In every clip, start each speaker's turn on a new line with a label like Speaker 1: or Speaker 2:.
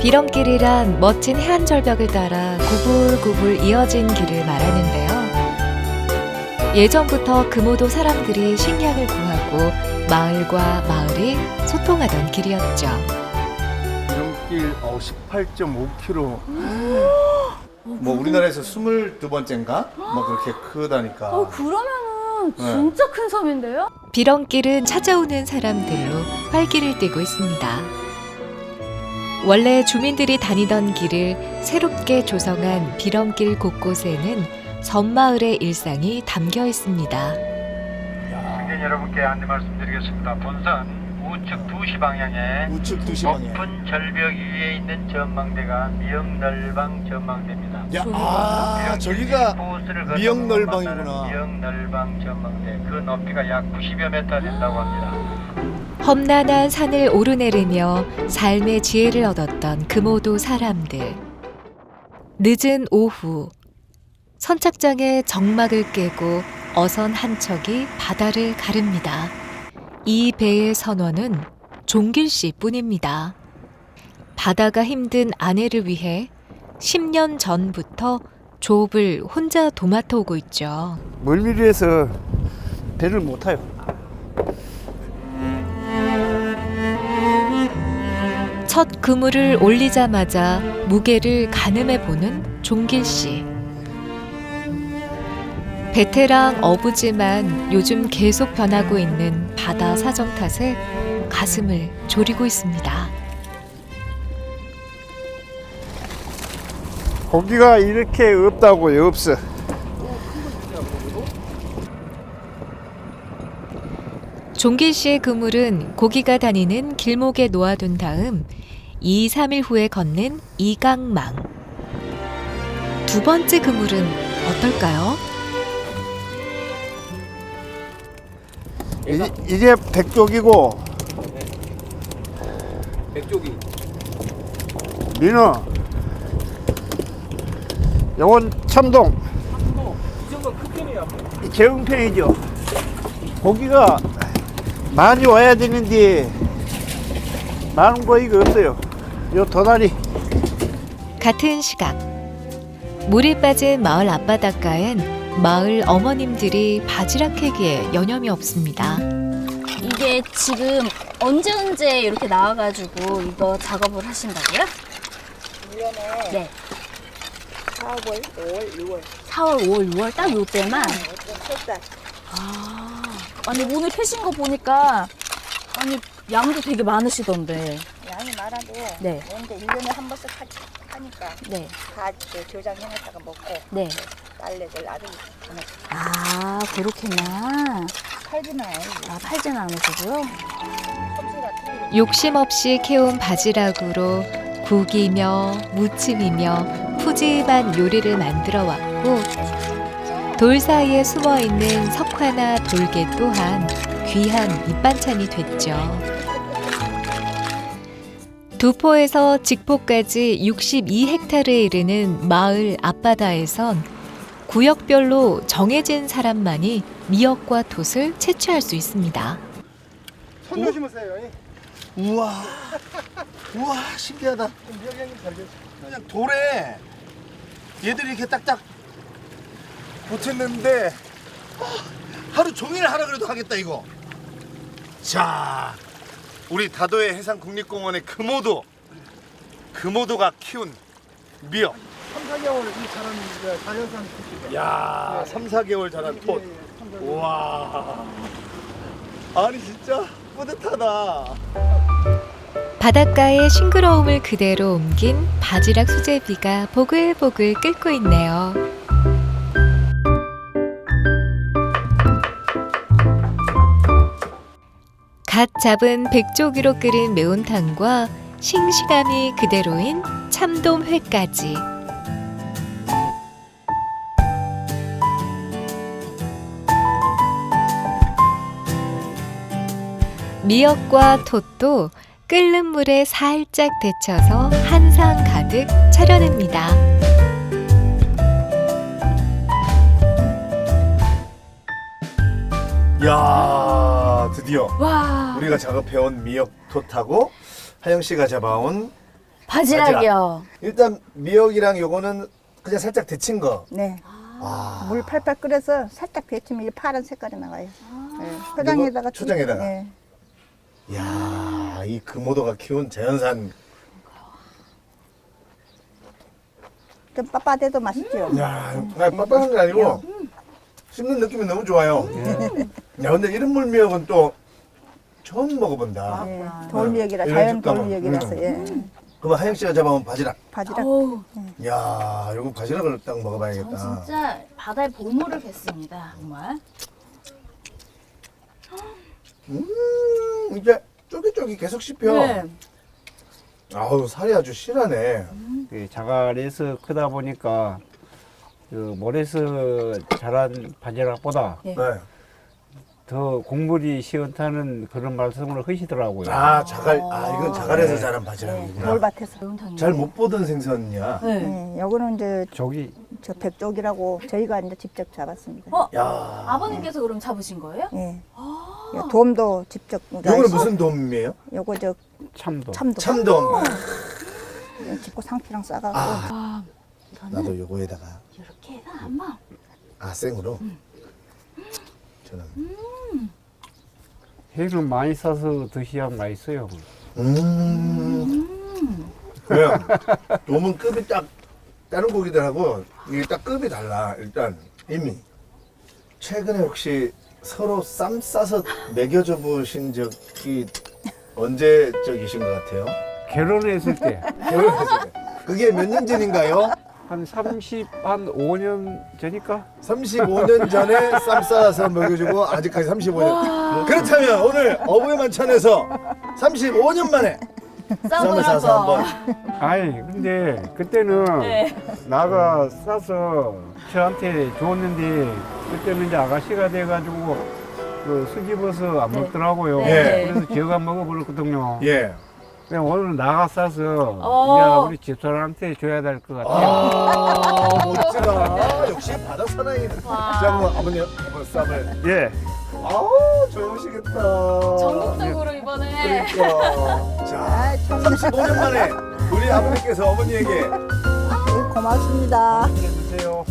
Speaker 1: 비렁길이란 멋진 해안 절벽을 따라 구불구불 이어진 길을 말하는데요. 예전부터 금오도 사람들이 식량을 구하고 마을과 마을이 소통하던 길이었죠.
Speaker 2: 비렁길 18.5km. 뭐 우리나라에서 22번째인가? 뭐 그렇게 크다니까.
Speaker 3: 그러면은 진짜 큰 섬인데요?
Speaker 1: 비렁길은 찾아오는 사람들로 활기를 띠고 있습니다. 원래 주민들이 다니던 길을 새롭게 조성한 비렁길 곳곳에는 섬마을의 일상이 담겨 있습니다.
Speaker 4: 승객 여러분께 안내 말씀드리겠습니다. 본선 우측 2시 방향에
Speaker 2: 우측 2시 방향.
Speaker 4: 높은 절벽 위에 있는 전망대가 미역널방 전망대입니다.
Speaker 2: 야, 저기가 미역널방이구나.
Speaker 4: 미역널방 전망대. 그 높이가 약 90여 미터 된다고 합니다.
Speaker 1: 험난한 산을 오르내리며 삶의 지혜를 얻었던 금오도 사람들. 늦은 오후, 선착장의 정막을 깨고 어선 한 척이 바다를 가릅니다. 이 배의 선원은 종길 씨 뿐입니다. 바다가 힘든 아내를 위해 10년 전부터 조업을 혼자 도맡아 오고 있죠.
Speaker 5: 멀미리에서 배를 못 타요.
Speaker 1: 첫 그물을 올리자마자 무게를 가늠해 보는 종길 씨. 베테랑 어부지만 요즘 계속 변하고 있는 바다 사정 탓에 가슴을 졸이고 있습니다.
Speaker 5: 고기가 이렇게 없다고요, 없어.
Speaker 1: 종길 씨의 그물은 고기가 다니는 길목에 놓아둔 다음 2, 3일 후에 걷는 이강망. 두 번째 그물은 어떨까요?
Speaker 5: 이게 백쪽이고,
Speaker 6: 백조기.
Speaker 5: 민어, 요건 참동,
Speaker 6: 이 정도는 큰 편이야.
Speaker 5: 제흥편이죠. 고기가 많이 와야 되는데 많은 고기가 없어요. 요 도다리.
Speaker 1: 같은 시각 물이 빠진 마을 앞바닷가엔 마을 어머님들이 바지락 캐기에 여념이 없습니다.
Speaker 3: 이게 지금 언제 이렇게 나와가지고 이거 작업을 하신다고요?
Speaker 7: 1년에
Speaker 3: 네.
Speaker 7: 4월, 5월, 6월
Speaker 3: 4월, 5월, 6월 딱 요때만.
Speaker 7: 첫 달.
Speaker 3: 아니 오늘 캐신 거 보니까 아니 양도 되게 많으시던데.
Speaker 7: 양이 많아도
Speaker 3: 네.
Speaker 7: 근데 1년에 한 번씩 하니까
Speaker 3: 네.
Speaker 7: 다 저장해놨다가 먹고
Speaker 3: 네.
Speaker 7: 딸내들 아들 보내고
Speaker 3: 아 그렇구나.
Speaker 7: 팔지는 않아요.
Speaker 3: 아 팔지는 않으시고요.
Speaker 7: 솜씨 같은 거
Speaker 1: 욕심 없이 캐온 바지락으로 국이며 무침이며 푸짐한 요리를 만들어 왔고 돌 사이에 숨어 있는 석화나 돌개 또한 귀한 밑반찬이 됐죠. 두포에서 직포까지 62헥타르에 이르는 마을 앞바다에선 구역별로 정해진 사람만이 미역과 돛을 채취할 수 있습니다.
Speaker 5: 손 조심하세요.
Speaker 2: 우와. 우와, 신기하다. 그냥 돌에 얘들이 이렇게 딱딱 붙였는데 하루 종일 하라 그래도 하겠다 이거. 자, 우리 다도해 해상국립공원의 금오도가 키운 미역.
Speaker 5: 3-4개월 이 자란 자연산
Speaker 2: 야, 3-4개월 자란 톳. 우와. 아니 진짜 뿌듯하다.
Speaker 1: 바닷가의 싱그러움을 그대로 옮긴 바지락 수제비가 보글보글 끓고 있네요. 갓 잡은 백조기로 끓인 매운탕과 싱싱함이 그대로인 참돔회까지. 미역과 톳도 끓는 물에 살짝 데쳐서 한상 가득 차려냅니다.
Speaker 2: 야, 드디어
Speaker 3: 와.
Speaker 2: 우리가 작업해온 미역 톳하고 하영 씨가 잡아온
Speaker 3: 바지락이요.
Speaker 2: 일단 미역이랑 요거는 그냥 살짝 데친 거.
Speaker 7: 네.
Speaker 2: 아.
Speaker 7: 물 팔팔 끓여서 살짝 데치면 이 파란 색깔이 나와요. 네. 초장에다가
Speaker 2: 초장에다가?
Speaker 7: 네.
Speaker 2: 이야, 이 금오도가 키운 자연산.
Speaker 7: 좀 빳빳해도 맛있죠.
Speaker 2: 야, 빳빳한 게 아니고 씹는 느낌이 너무 좋아요. 야, 근데 이런 물미역은 또 처음 먹어본다.
Speaker 7: 네. 돌미역이라
Speaker 2: 이런
Speaker 7: 자연
Speaker 2: 식감은.
Speaker 7: 돌미역이라서 예.
Speaker 2: 그럼 하영 씨가 잡아온 바지락.
Speaker 7: 바지락.
Speaker 3: 어우,
Speaker 2: 야, 이거 바지락을 딱
Speaker 3: 전
Speaker 2: 먹어봐야겠다.
Speaker 3: 진짜 바다의 보물을 뵀습니다. 정말.
Speaker 2: 이제 쫄깃쫄깃 계속 씹혀.
Speaker 3: 네.
Speaker 2: 아우, 살이 아주 실하네.
Speaker 5: 그 자갈에서 크다 보니까 그 모래에서 자란 바지락보다
Speaker 3: 네.
Speaker 2: 네.
Speaker 5: 더 곡물이 시원타는 그런 말씀을 하시더라고요.
Speaker 2: 아, 자갈. 아, 이건 자갈에서 자란 바지락이구나.
Speaker 7: 돌밭에서.
Speaker 3: 매운탕이요.
Speaker 2: 잘 못 보던 생선이야.
Speaker 3: 네.
Speaker 7: 네. 요거는 이제
Speaker 5: 저기
Speaker 7: 저 백쪽이라고 저희가 이제 직접 잡았습니다.
Speaker 3: 어?
Speaker 2: 야.
Speaker 3: 아버님께서 그럼 잡으신 거예요?
Speaker 7: 예. 요 돔도 직접.
Speaker 2: 요거는 무슨 돔이에요?
Speaker 7: 요거 저
Speaker 5: 참도.
Speaker 7: 참돔.
Speaker 2: 참돔.
Speaker 7: 집고 상추랑 싸가고.
Speaker 2: 아. 나도 요거에다가.
Speaker 3: 이렇게 해서 한번.
Speaker 2: 아, 생으로? 저는.
Speaker 5: 회를 많이 싸서 드셔야 맛있어요.
Speaker 2: 그래요. 돔은 급이 딱 다른 고기들하고 이게 딱 급이 달라. 일단 이미 최근에 혹시 서로 쌈 싸서 먹여줘 보신 적이 언제적이신 것 같아요?
Speaker 5: 결혼했을 때
Speaker 2: 결혼했을 때. 그게 몇 년 전인가요?
Speaker 5: 한 5년 전일까?
Speaker 2: 35년 전에 쌈 싸서 먹여주고 아직까지 35년. 그렇다면 오늘 어부의 만찬에서 35년 만에 쌈을 싸서 한번.
Speaker 5: 아이 근데 그때는
Speaker 3: 네.
Speaker 5: 나가 싸서 저한테 줬는데 그때는 이제 아가씨가 돼가지고 그 수집어서 안
Speaker 3: 네.
Speaker 5: 먹더라고요.
Speaker 2: 네.
Speaker 5: 그래서 제가 먹어버렸거든요.
Speaker 2: 예.
Speaker 5: 그냥 오늘 나가 싸서
Speaker 3: 어.
Speaker 5: 이제 우리 집사람한테 줘야 될 것 같아요.
Speaker 2: 아, 멋지다. 역시 바다 사나이. 자, 그럼 아버님 한번 쌈을.
Speaker 5: 예.
Speaker 2: 아우, 좋으시겠다.
Speaker 3: 전국적으로 이번에.
Speaker 2: 그러니까. 자, 35년 만에 우리 아버님께서 어머니에게
Speaker 7: 네, 고맙습니다.
Speaker 5: 해주세요.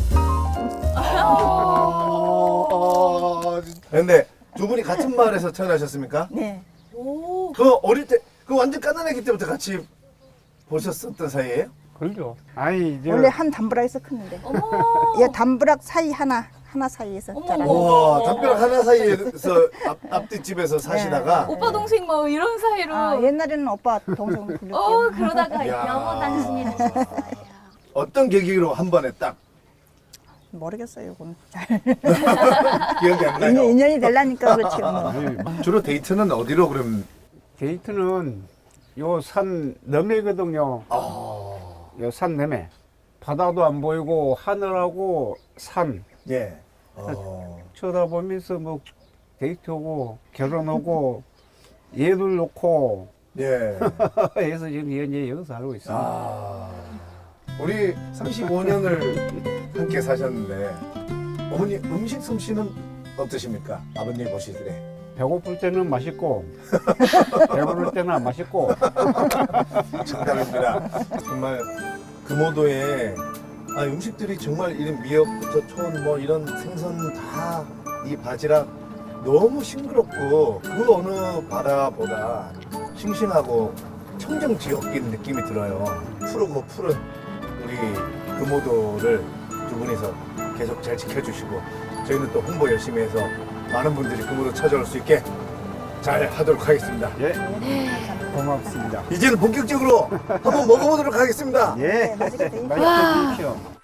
Speaker 2: 근데 두 분이 같은 마을에서 태어나셨습니까?
Speaker 7: 네.
Speaker 3: 오.
Speaker 2: 그 어릴 때, 그 완전 까난애기 때부터 같이 보셨었던 사이예요?
Speaker 5: 그렇죠. 아니 이제
Speaker 7: 원래 한 담벼락에서 컸는데.
Speaker 3: 어머.
Speaker 7: 얘 담벼락 사이 하나 사이에서
Speaker 3: 어머.
Speaker 7: 자랐어요.
Speaker 2: 와, 담벼락 하나 사이에서 앞뒷집에서 사시다가
Speaker 3: 오빠 동생 뭐 이런 사이로.
Speaker 7: 아, 옛날에는 오빠 동생 불렸죠.
Speaker 3: 그러다가
Speaker 2: 야.
Speaker 3: 여보 당신이 되셨어요.
Speaker 2: 어떤 계기로 한 번에 딱
Speaker 7: 모르겠어요, 이건.
Speaker 2: 기억이 안 나요?
Speaker 7: 인연이 되려니까 그렇지. 뭐.
Speaker 5: 아니,
Speaker 2: 주로 데이트는 어디로 그럼?
Speaker 5: 데이트는 요 산 너매거든요. 요 산 너매. 바다도 안 보이고 하늘하고 산
Speaker 2: 예.
Speaker 5: 쳐다보면서 뭐 데이트하고 결혼하고 얘들 놓고
Speaker 2: 예.
Speaker 5: 해서 지금 현재 여기서 살고 있어요.
Speaker 2: 아, 우리 35년을 함께 사셨는데 어머니 음식 솜씨는 어떠십니까? 아버님 보실 때.
Speaker 5: 배고플 때는 맛있고 배부를 때는 안 맛있고
Speaker 2: 정답입니다. 정말 금오도에 음식들이 정말 이런 미역부터 촌 뭐 이런 생선 다 이 바지락 너무 싱그럽고 그 어느 바다보다 싱싱하고 청정 지역인 느낌이 들어요. 푸르고 푸른 우리 금오도를 두 분이서 계속 잘 지켜주시고 저희는 또 홍보 열심히 해서 많은 분들이 금오도 찾아올 수 있게 잘 하도록 하겠습니다.
Speaker 5: 예 고맙습니다.
Speaker 2: 이제는 본격적으로 한번 먹어보도록 하겠습니다.
Speaker 5: 예
Speaker 7: 맛있게 드십시오.
Speaker 5: 맛있게 드십시오.